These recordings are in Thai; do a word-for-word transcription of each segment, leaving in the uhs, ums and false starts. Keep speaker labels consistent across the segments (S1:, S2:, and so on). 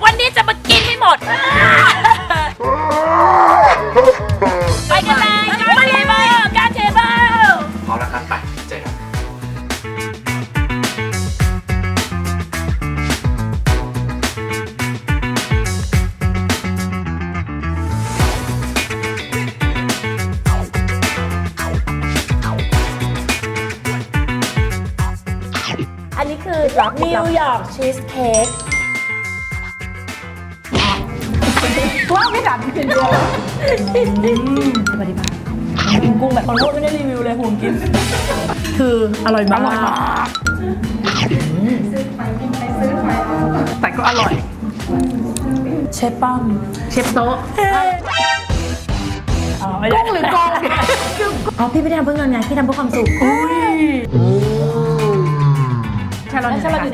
S1: วันนี้จะมากินให้หมดไปกันเลยการเทเบิลการเทเบิล
S2: พร้อมแล้วครับไปเจอกัน
S1: อันนี้คือนิวยอร์กชีสเค้ก
S3: ว่าไม่ดันกินเดียวปฏิบัติกินกุ้งแบบคนโคตรไม่ได้รีวิวเลยห่วงกินคืออร่อยมากแต่ก็อร่อยเชฟป้อมเชฟโต๊ะกุ้งหรือกองอ๋อพี่ไม่ได้ทำเพื่อเงินไงพี่ทำเพื่อความสุขชาลอนชาลอนอยู่ไหน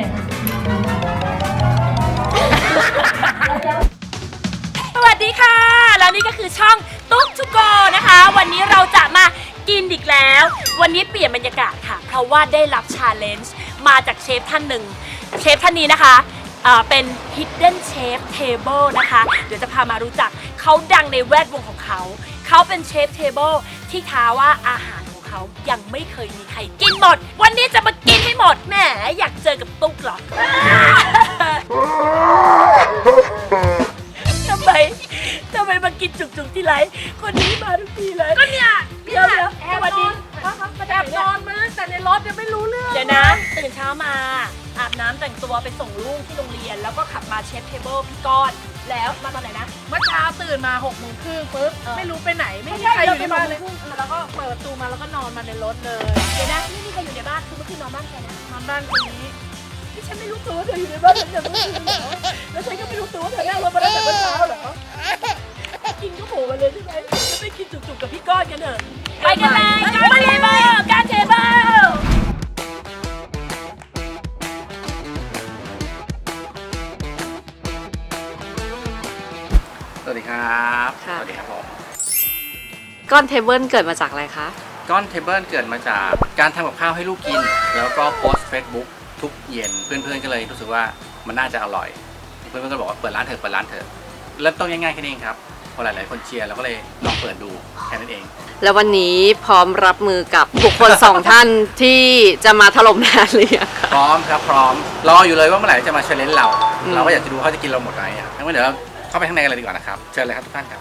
S1: สวัสดีค่ะแล้วนี่ก็คือช่องตุ๊กทูโกนะคะวันนี้เราจะมากินอีกแล้ววันนี้เปลี่ยนบรรยากาศค่ะเพราะว่าได้รับชาเลนจ์มาจากเชฟท่านหนึ่งเชฟท่านนี้นะคะเป็น Hidden Chef Table นะคะเดี๋ยวจะพามารู้จักเขาดังในแวดวงของเขาเขาเป็นเชฟเทเบิลที่ท้าว่าอาหารของเขายังไม่เคยมีใครกินหมดวันนี้จะมากินให้หมดแหมอยากเจอกับตุ๊กเหรอทำไมทำไมมากินจุกๆที่ไรคนนี้มาทุกทีเลยก็เนี่ยเดี๋ยวแอบนอนแอบนอนมาตั้งแต่ในรถยังไม่รู้เรื่องเดี๋ยวนะตื่นเช้ามาอาบน้ำแต่งตัวไปส่งลูกที่โรงเรียนแล้วก็ขับมาเชฟเทเบิลพี่ก้อนแล้วมาตอนไหนนะ
S3: เมื่อเช้าตื่นมาหกโมงครึ่งปุ๊บไม่รู้ไปไหนไม่มีใครอยู่ในบ้านเลยแล้วก็เปิดประตูมาแล้วก็นอนมาในรถเลย
S1: เดี๋ยวนะไม่มีใครอยู่ในบ้านคือเมื่อคืนนอนบ้านใครนะ
S3: นอนบ้านคนนี้
S1: ที่ฉันไม่รู้ตัวว่าเธออยู่ในบ้านฉันอย่างเมื่อคืนเหรอแล้วฉันก็ไม่รู้ตัวว่าเธอนั่งรถมาตั้งแต่เมื่อเช้าเหรอกินก็โผล่มาเลยใช่ไหมจะไปกินจุกๆกับพี่ก้อนกันเถอะไปกันเลยการเทเบิลการเทเบิล
S2: สวัสดีครับสวัสดีครับผม
S4: ก้อนเทเบิลเกิดมาจากอะไรคะ
S2: ก้อนเทเบิลเกิดมาจากการทำกับข้าวให้ลูกกินแล้วก็โพสต์ Facebook ทุกเย็นเพื่อนๆก็เลยรู้สึกว่ามันน่าจะอร่อยเพื่อนๆก็บอกว่าเปิดร้านเถอะเปิดร้านเถอะเริ่มต้นง่ายๆแค่นี้เองครับพอหลายๆคนเชียร์เราก็เลยลองเปิดดูแค่นั้นเอง
S4: แล้ววันนี้พร้อมรับมือกับบุคคลสองท่านที่จะมาถล่มงานเลย
S2: พร้อมครับพร้อมรออยู่เลยว่าเมื่อไหร่จะมาเชลเลนจ์เราเราก็อยากจะดูเขาจะกินเราหมดไหมอ่ะงั้นเดี๋ยวเราเข้าไปข้างในกันเลยดีกว่านะครับเชิญเลยครับทุกท่านครับ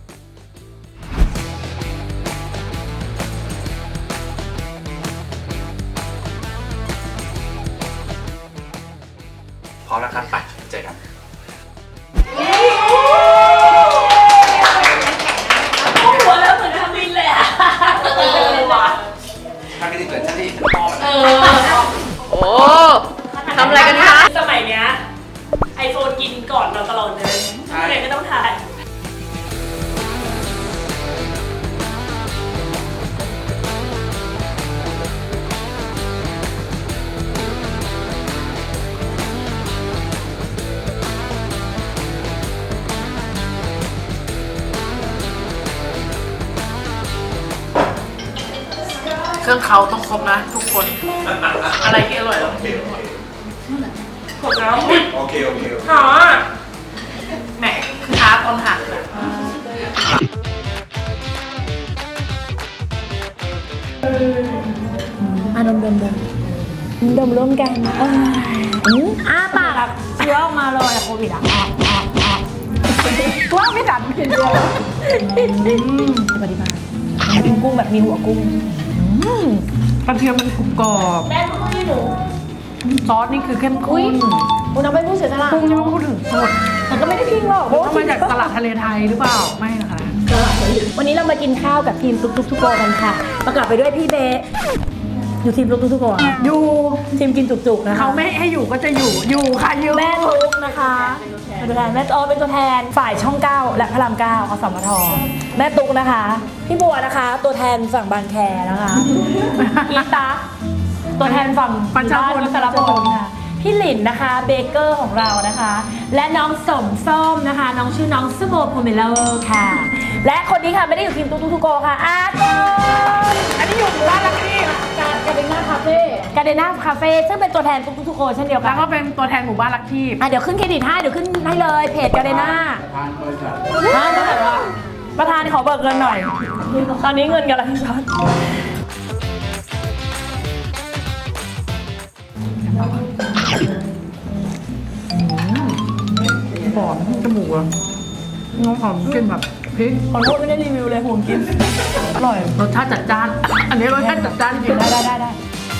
S2: พร้อมแล้วครับไปเจอกัน
S1: หัวแล้วเหมือนทำบินเลยอ่ะเออว่ะ
S2: ถ้าไม่ได้เกิดชาติที่พ่อเอ
S4: อโอ้ทำอะไรกันคะ
S1: สมัยเนี้ยไอโฟนกินก่อนเราตลอดเลยใครก็ต้องทาน
S3: เครื่องเขาต้องครบนะทุกคนอะไรที่อร่อยเราเปลี่ยนหมดแล้ว
S2: โอเคโอเค
S3: หอแหมคือท้าตอนหักอ่ะดมดมดมดมร่วมกันอ้าปากเชื้อออกมาเลยโควิดอ่ะว่าไม่ดันกินเดียวปฏิบัติกินกุ้งแบบมีหัวกุ้งกระเทียมมันกรุบกรอบ
S1: แม่พูดที่หนู
S3: ซอสนี่คือเข้มข้น
S1: คุณเอาไปพูดเสียสละ
S3: กุ้งยังไม่พูดถึงสด
S1: มันก็ไม่ได้พิงหรอก
S3: เพราะมาจากตลาดทะเลไทยหรือเปล่าไม่นะคะ
S1: วันนี้เรามากินข้าวกับทีมตุ๊กตุ๊กทุกโกกันค่ะประกอบไปด้วยพี่เบสอยู่ทีมตุ๊กตุ๊กทุกโก
S3: อยู่
S1: ทีมกินจุกๆนะคะ
S3: เขาไม่ให้อยู่ก็จะอยู่อยู่ค่ะอยู่
S1: แม่ตุ๊กนะคะเป็นตัวแทนแม่โอเป็นตัวแทนฝ่ายช่องเก้าและพระรามเก้าอสมทแม่ตุ๊กนะคะพี่บัวนะคะตัวแทนฝั่งบางแคนะคะอีตาตัวแทนฝั่ง
S3: ปัญจพล
S1: สารพลค่ะพี่หลินนะคะเบเกอร์ของเรานะคะและน้องสมส้มนะคะน้องชื่อน้องสโมโพเมโลค่ะและคนนี้ค่ะไม่ได้อยู่ทีมตุ๊กตุ๊กทุกโกค่ะอาโก
S3: อันนี้อยู่บ้านลักกี้กาเดน่าคาเฟ่
S1: กาเดน่าคาเฟ่ซึ่งเป็นตัวแทนทุกทุกคนเช่นเดียวกั
S3: แล้
S1: น
S3: วก็เป็นตัวแทนหมู่บ้านลักคีบ
S1: อ่ะเดี๋ยวขึ้นเครดิตให้เดี๋ยวขึ้นให้เลยเพจกาเดน่าประธานขอเบิกเงินหน่อย ตอนนี้เงินกำลังช็อต
S3: หอมจมูกอะน้องหอมกลิ่นแบบพริก
S1: ขอโทษไม่ได้รีวิวเลยห่วงกิน อร่อย
S3: รสชาติจัดจ้าน อันนี้รสชาติจัดจ้านจริง
S1: ได้ได้ได้ได้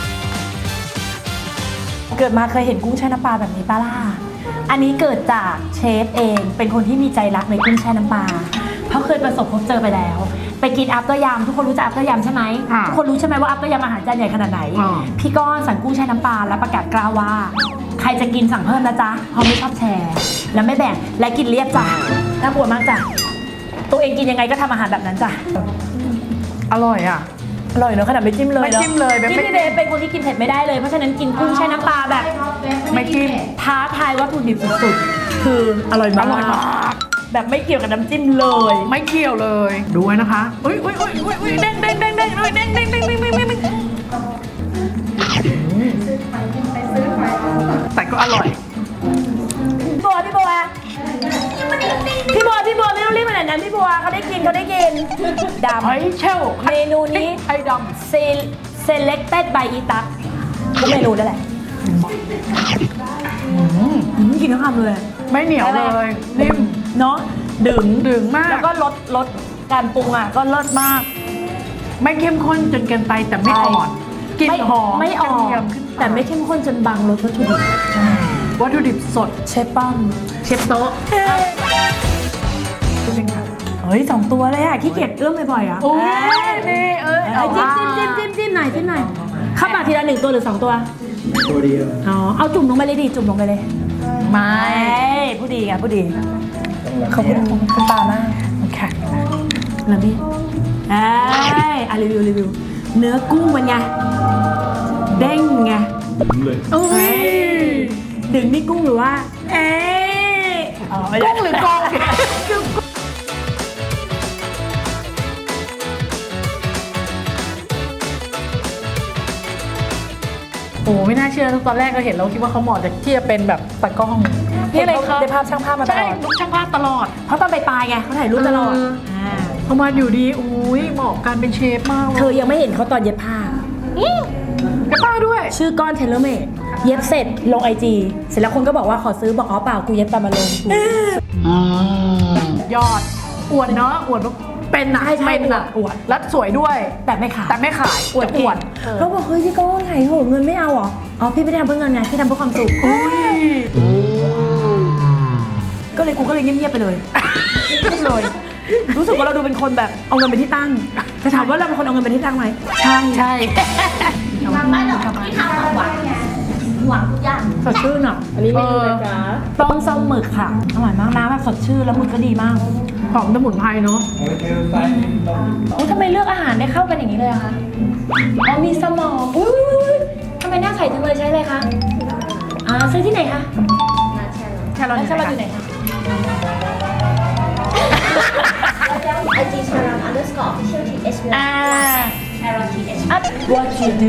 S1: เกิดมาเคยเห็นกุ้งแช่น้ำปลาแบบนี้ปะล่ะ อันนี้เกิดจากเชฟเองเป็นคนที่มีใจรักในกุ้งแช่น้ำปลาเพราะเคยประสบพบเจอไปแล้ว ไปกินอัพเตอร์ยำทุกคนรู้จักอัพเตอร์ยำใช่ไหมทุกคนรู้ใช่ไหมว่าอัพเตอร์ยำอาหารจานใหญ่ขนาดไหน พี่ก้อนสั่งกุ้งแช่น้ำปลาและประกาศกล้าวว่า ใครจะกินสั่งเพิ่มนะจ๊ะเพราะไม่ชอบแชร์ แล้วไม่แบ่งและกินเรียบจ้ะน่ากลัวมากจ้ะตัวเองกินยังไงก็ทำอาหารแบบนั้นจ้ะ
S3: อร่อยอ่ะ
S1: อร่อยเนอะขนาดไม่จิ้มเลย
S3: ไม่จิ้มเลยแบบ
S1: ที่
S3: ไม่
S1: พี่เบสเป็นคนที่กินเผ็ดไม่ได้เลยเพราะฉะนั้นกินกุ้งแช่น้ำปลาแบบ
S3: ไม่จิ้ม
S1: ท้าทายวัตถุดิบสุดๆคืออร่อยมาก
S3: อร่อยมาก
S1: แบบไม่เกี่ยวกับน้ำจิ้มเลย
S3: ไม่เกี่ยวเลย ดูไว้นะคะอุ้ยอุ้ยอุ้ยอุ้ยอุ้ยเด้งเด้งเด้งเด้งอุ้ยเด้งเด้งเด้งเด้งเด้งเด้งเด้งแต่ก็อร่อย
S1: พี่บัวพี่บัวพี่บัวพี่บัวไม่ต้องรีบขนาดนั้นพี่บัวเขาได้กินเขาได้กินดำ
S3: ไอ้เชล
S1: เมนูนี้
S3: ไอ้ด
S1: selected by อีตักทุกเมนูนั่นแหละอืมกินทั้งคำเลย
S3: ำไม่เหนียวเลยนิ่ม
S1: เนาะดึง
S3: ดึงมาก
S1: แล้วก็ลดลดการปรุงอ่ะก็เลิศมาก
S3: ไม่เข้มข้นจนเกินไปแต่ไม่อ่อนกลิ่น
S1: ไม่
S3: หอม
S1: ไม่อ่อก
S3: ระเทีย
S1: น
S3: ขึ้น
S1: แต่ไม่เข้มข้นจนบางรสวัตถุดิบ
S3: วัตถุดิบสด
S1: เชฟป้อม
S3: เชฟโต๊ะเป็นไง
S1: เฮ้ยสองตัวเลยอ่ะขี้เกียจเอื้อมบ่อยๆอ่ะ
S3: โอ้ยนี่เอ้ย
S1: เอ้ยจิ้มจิ้มจิ้มจิ้มจิ้มหน่อยจิ้มหน่อยข้าวปลาทีละหนึ่งตัวหรือสองตัวตัวเดียวอ๋อเอาจุ่มลงไปเลยดิจุ่มลงไปเลย
S3: ไม่
S1: ผู้ดีค่ะผู้ดีขอบคุณคุณปามาก
S3: ค่ะ
S1: แล้วพี่เอ้ยอ่ะรีวิวรีวิวเนื้อกุ้งมันไงเด้งไง
S3: โอ้ย
S1: ดึงนี่กุ้งหรือว่า เอ๊ะอ๋อไม่ได้
S3: กุ้งหรือกองโอ้ไม่น่าเชื่อตอนแรกก็เห็นแล้วคิดว่าเขาเหมาะจะที่จะเป็นแบบตากล้อง
S1: นี่เลย
S3: ห็นขา
S1: ได้ภาพช่างภาพมาต
S3: ใช่
S1: ลอด
S3: ลูกช่างภาพตลอด
S1: เพราะตอนไปปลายไงเขาถ่ายรูปตลอด
S3: เอออ่
S1: า
S3: พอมาอยู่ดีอุ้ยเหมาะกันเป็นเชฟมากเลย
S1: เธอยังไม่เห็นเขาตอนเย็บผ้า
S3: กระป้าด้วย
S1: ชื่อก้อนเทเลเมดเย็บเสร็จลงไอจีเสร็จแล้วคนก็บอกว่าขอซื้อบอกอ๋อเปล่ากูเย็บตามมาลง
S3: ยอดอวดเนาะอวดว่าเป็นนะ
S1: ใช่ใช่
S3: เป็นอะ
S1: อวด
S3: แล้วสวยด้วย
S1: แต่ไม่ขาย
S3: แต่ไม่ขายอวด
S1: จะ
S3: อวด
S1: เราบอกเฮ้ยพี่ก้อนไหนโหเงินไม่เอาเหรออ๋อพี่ไม่ได้ทำเพื่อเงินไงพี่ทำเพื่อความสุขก็เลยกูก็เลยเงียบๆไปเลยเงียบเลย รู้สึกว่าเราดูเป็นคนแบบเอาเงินเป็นที่ตั้งจะถามว่าเราเป็นคนเอาเงินเป็นที่ตั้งไหมใช่ใช่
S5: ทำไม่หรอกที่ทำหวังหวังทุกอย่าง
S1: สดชื่นอ่ะอันนี้เมนูอะไรจ๊ะต้มส้มหมึกค่ะอร่อยมากน้ำแบบสดชื่นแล้วหมึกก็ดีมาก
S3: หอมสมุนไพรเนาะ
S1: โอ้ทำไมเลือกอาหารได้เข้ากันอย่างนี้เลยอะคะอ๋อมีสมองอุ้ยทำไมหน้าใสจังเลยใช้อะไรคะอ่าซื้อที่ไหนคะ
S3: แค่เรา
S1: แล้ว
S3: เนี่ย
S1: ชาลอตอยู่ไหนคะ
S5: ไอจีชาลัง underscore official th
S1: อ่า
S5: ชาลัง th
S1: up what you do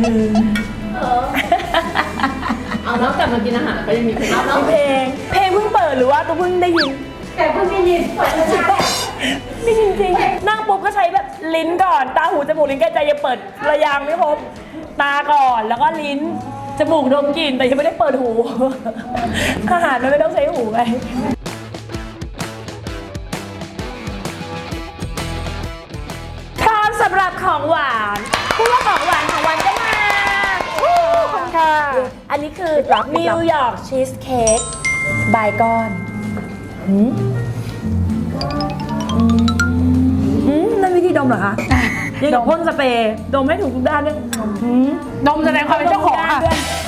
S4: เอานอกจากมากินอาหารก็ยังมีเพลง
S1: เอาเพลง เพลงเพิ่งเปิดหรือว่าตัวเพิ่งได้ยิน
S5: แต่เพิ่งได้ยินเปิดมาจาก
S1: ไม่จริงๆนั่งปุ๊บก็ใช้แบบลิ้นก่อน ตาหูจมูกลิ้นกายใจยังเปิดระยางไม่ครบตาก่อนแล้วก็ลิ้นจมูกดมกลิ่นแต่ยังไม่ได้เปิดหู อาหารมันไม่ต้องใช้หูไงพร้อมสำหรับของหวานพูดว่าของหวานของวันก็มาขอบคุณค่ะ อันนี้คือนิวยอร์กชีสเค้กบายก้อนหืมหืมนั่นวิธีดมเหรอคะยังกับพ่นสเปรย์ดมให้ถูกทุกด้านด้วยหืม
S3: นมแสดงความเป็นเจ้าของค่ะ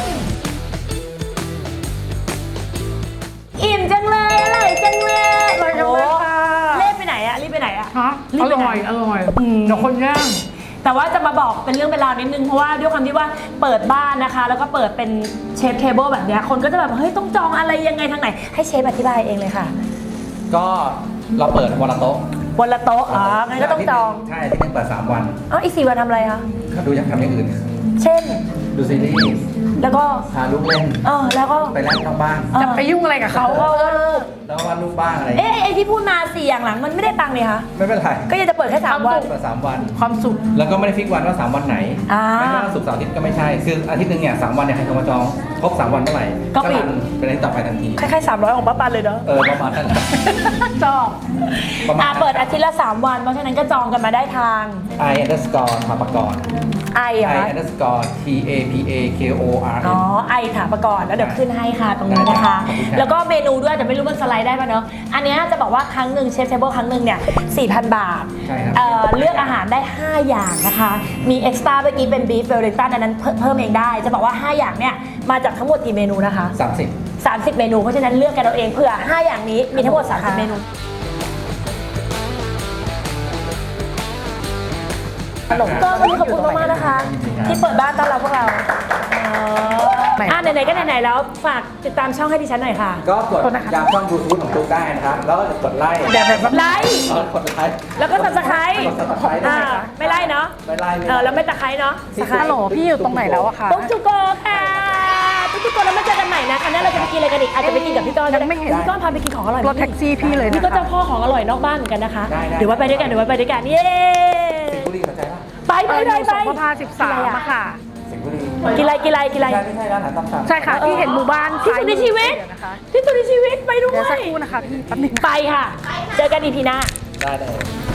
S1: อิ่มจังเลยอร่อยจังเลย
S3: อร่อยจังเลยค่ะ
S1: โอ้รีบไปไหนอะรีบไปไหนอะ
S3: ฮะ
S1: รี
S3: อบ
S1: ไปไหน
S3: ร่อยอร่อย
S1: อืม
S3: เดี๋ยวคนย่าง
S1: แต่ว่าจะมาบอกเป็นเรื่องเป็นราวนิดนึงเพราะว่าด้วยความที่ว่าเปิดบ้านนะคะ แล้วก็เปิดเป็นเชฟเทเบิลแบบเนี้ยคนก็จะแบบเฮ้ยต้องจองอะไรยังไงทางไหนให้เชฟอธิบายเองเลยค่ะ
S2: ก็เราเปิดวันละโต๊ะ
S1: วันละโต๊ะอ๋องั้นก็ต้องจอง
S2: ใช่ที่หนึ่งเปิดสามวัน
S1: เอ้าอีกสี่วันทำอะไรคะ
S2: ดูอยากทำอย่างอื่น
S1: เช่น
S2: ดูซีรีส์
S3: แล้วก็
S2: พาลูกเล่น
S3: เออแล้วก็
S2: ไปเล่นนอกบ้าน
S3: จะไปยุ่งอะไรกับเขาเออ
S2: แล้ววาดรูปบ้างอะไร
S3: เอ๊ะไอ้ที่พูดมาสี่อย่างหลังมันไม่ได้ตังค์เลยคะ
S2: ไม่เป็นไร
S3: ก็ยังจะเปิดแค่สามวัน
S2: เปิดสามวัน
S3: ความสุข
S2: แล้วก็ไม่ได้ฟิกวันว่าสามวันไหน
S3: อ่า
S2: ไม่ว่าศุกร์เสาร์อาทิตย์ก็ไม่ใช่ คืออาทิตย์หนึ่งเนี่ยสามวันเนี่ยใครโทรมาจองครบสามวันเมื่อไหร่
S3: ก็ปิด
S2: รันเป็นอาทิตย์ต่อไปทันที
S3: คล้ายๆสามร้อยของป้าปันเลยเนาะ
S2: เออประมาณนั้นแหละ
S3: ชอบ
S2: ประมาณ
S3: อ่าเปิดอาทิตย์ละสามวัน เพราะฉะนั้นก็จองกันมาได้ทาง
S2: I underscore ถาปกร
S3: ไอเหรอ
S2: I
S3: คะ
S2: underscore T A P A K O R
S3: อ๋อ
S2: N
S3: ไอถามประกอบแล้วเดี๋ยวขึ้นให้ค่ะตรงนี้นะคะ
S2: ได้ครับ
S3: แล้วก็เมนูด้วยแต่ไม่รู้มันสไลด์ได้ป่ะเนาะ อันเนี้ยจะบอกว่าครั้งหนึ่งเชฟเทเบิลครั้งหนึ่งเนี่ย สี่พัน บาท
S2: ใช่ครับ
S3: เอ่อเลือกอาหารได้ ห้า อย่างนะคะ มีเอ็กซ์ตร้าเมื่อกี้เป็นบีฟเวลลิงตันอันนั้นเพิ่มเพิ่มเองได้ จะบอกว่า ห้า อย่างเนี่ยมาจากทั้งหมดกี่เมนูนะคะ
S2: สามสิบ
S3: สามสิบ เมนู เพราะฉะนั้นเลือกกันเอาเองเผื่อ ห้า อย่างนี้มีทั้งหมด สามสิบ เมนู ก็วันนี้ขอบคุณมากๆนะคะ ที่เปิดบ้านต้อนรับพวกเราอ่าไหนๆก็ไหนๆแล้วฝากติดตามช่องให้ดิฉันหน่อยค่ะ
S2: ก็กดยามช่องบลูทูธของตุ๊กได้นะครับ แล้วก็กดไลค์
S3: แบบแบบไลค์
S2: เออกดไลค์
S3: แล้วก็สับสไครต์
S2: กด subscribe ด้วย
S3: อ่า
S2: นะครับ
S3: ไม่ไล่เนาะ
S2: ไม่ไล่ไม่
S3: เออ
S2: ไล่
S3: แล้วไม่ตะไคร้เนาะตะไคร้
S2: ฮัลโหลพี่อยู่ตรงไหนแล้วอะคะ
S3: ตุ๊กจุโกค่ะตุ๊กจุโกแล้วมาเจอกันใหม่นะครั้งหน้าเราจะไปกินอะไรกันอีกอาจจะไปกินกับพี่ก้อนยังไม่เห็นพี่ก้อนพาไปกินของอร่อยรถแท็กซี่พี่เลยนี่ก็เจ้าพ่อของอร่อยนอกบ้านเหมือนกันนะคะเดี๋ยวไว้ไปด้วยกันเดี๋ยวไว้ไปด้วยกันเย้
S2: สิงห์บุรีสนใจป่ะ
S3: ไปไปไปไป
S6: สงขลาสิบสามอะค่ะ
S2: สิงห์บุรี
S3: กินอะไรกินอะไรกินอะไร
S2: ไม่ใช่ไม่ใช่ร้านอาหารตามสั่ง
S6: ใช่ค่ะ ที่เห็นหมู่บ้าน
S3: ที่สุดในชีวิต
S6: เดี๋ยนะคะ
S3: ที่สุดในชีวิตไปด้ว
S6: เดี๋ยวสัก
S3: ย
S6: ครู่นะคะพี่แป๊บนึง
S3: ไปค่ะ เจอกันอีพีหน้า
S2: ได้เลย